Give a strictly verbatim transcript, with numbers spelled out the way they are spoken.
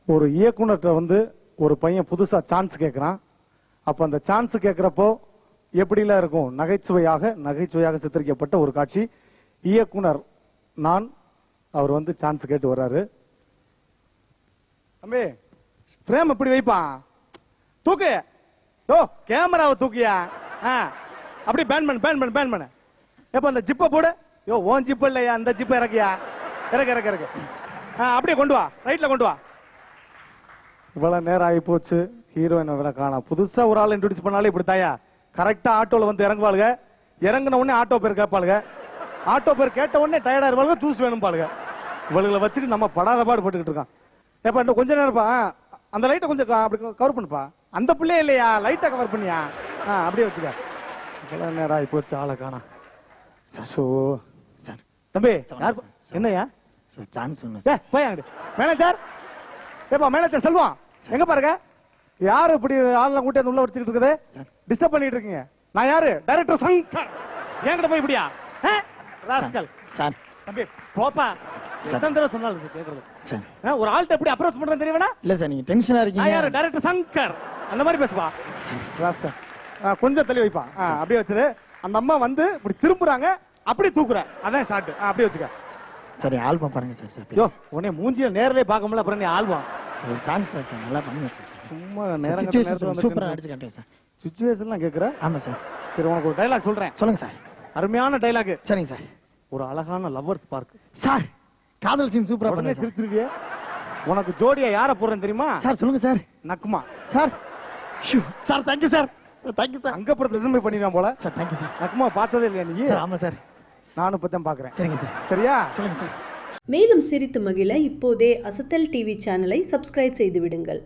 ஒரு இயக்குனர்கிட்ட வந்து ஒரு பையன் புதுசா சான்ஸ் கேட்கறான். அப்ப அந்த சான்ஸ் கேட்கிறப்போ எப்படிலாம் இருக்கும்? நகைச்சுவையாக நகைச்சுவையாக சித்தரிக்கப்பட்ட ஒரு காட்சி. இயக்குனர் நான், அவர் வந்து சான்ஸ் கேட்டு வர்றாரு. தம்பி பிரேம் எப்படி வைப்பான்? தூக்கு. ஓ கேமராவை தூக்கியா? அப்படி பேன் பண்ணு பேன் பண்ணு பேன் பண்ணு. எப்ப அந்த ஜிப்பை போடு. யோ ஓன் ஜிப் இல்லையா, அந்த ஜிப்பை இறக்கியா? இறக்கு இறக்கு இறக்கு. அப்படியே கொண்டு வா, ரைட்ல கொண்டு வா. இவ்வளவு நேரம் ஆகி போச்சு, ஹீரோயின் காணா. புதுசா ஒரு ஆள் இன்ட்ரோடியூஸ் பண்ணாலே இப்படி தாயா கரெக்டா ஆட்டோல வந்து இறங்குவாளுங்க. இறங்கின உடனே ஆட்டோ பேர் கேட்பாளுங்க. ஆட்டோ பேர் கேட்ட உடனே டயர்டா இருப்பாளுங்க, ஜூஸ் வேணும் பாளுங்க. இவளுகளை வச்சுட்டு நம்ம படாத பாடு போட்டுக்கிட்டு இருக்கான். எப்ப இன்னும் கொஞ்ச நேரம்ப்பா, அந்த லைட்டை கொஞ்சம் அப்படி கவர் பண்ணுப்பா. அந்த பிள்ளையே இல்லையா, லைட்டை கவர் பண்ணியா? அப்படியே வச்சுக்க. இவ்வளவு நேரம் ஆகி போச்சு, ஆளை காணா. சார் தம்பி என்னையா சான்ஸ் மேனேஜர்? ஏப்பா மேனேஜர் செல்வம் எங்க பாருங்க. யாரு இப்படி ஆளெல்லாம் கூட்டி உள்ள வச்சுக்கிட்டு இருக்குது? டிஸ்டர்ப் பண்ணிட்டு இருக்கீங்க. நான் யாரு? டைரக்டர் சங்கர். என்கிட்ட போய் இப்படியா? ராஸ்கல். சார் தம்பி போப்பா. சத்தந்தர சொன்னாலும் கேக்குறது. சார் ஒரு ஆள்கிட்ட எப்படி அப்ரோச் பண்றேன்னு தெரியவேனா? இல்ல சார், நீங்க டென்ஷனா இருக்கீங்க. நான் யாரு? டைரக்டர் சங்கர். அந்த மாதிரி பேசுவா. ராஸ்கல் கொஞ்சம் தள்ளி வைப்பா. அப்படியே வச்சது. அந்த அம்மா வந்து இப்படி திரும்புறாங்க, அப்படி தூக்குற. அதான் ஷாட். அப்படியே வச்சுக்க. சரி ஆல்பம் பாருங்க சார். சார் யோ உடனே மூஞ்சில நேரலே பார்க்க முடியல, அப்புறம் நீ ஆல்பம். ஒரு சான்ஸ் சார், நல்லா பண்ணுங்க சார். சும்மா நேரம் நேரத்துல சூப்பரா அடிச்சு காட்டுங்க சார். சிச்சுவேஷன்லாம் கேக்குற? ஆமா சார். சரி உனக்கு ஒரு டைலாக் சொல்றேன், சொல்லுங்க சார். அருமையான டைலாக். சரிங்க சார். ஒரு அழகான லவ்வர்ஸ் பார்க். சார் காதல் சீன் சூப்பரா உடனே பண்ணுங்க. சிரிச்சிருவியே. உனக்கு ஜோடியா யார போறேன்னு தெரியுமா? சார் சொல்லுங்க சார். நக்குமா. Sir sir thank you sir. Thank you sir. அங்க அப்புறம் ரிசல்ட் பண்ணிடுவான் போல. Sir thank you sir. நக்குமா பார்த்ததே இல்லையா நீ? ஆமா சார், நானும் இப்பதான் பாக்குறேன். சரிங்க சார். சரியா? சொல்லுங்க சார். மேலும் சிரித்து மகிழ இப்போதே அசத்தல் டிவி சேனலை சப்ஸ்கிரைப் செய்து விடுங்கள்.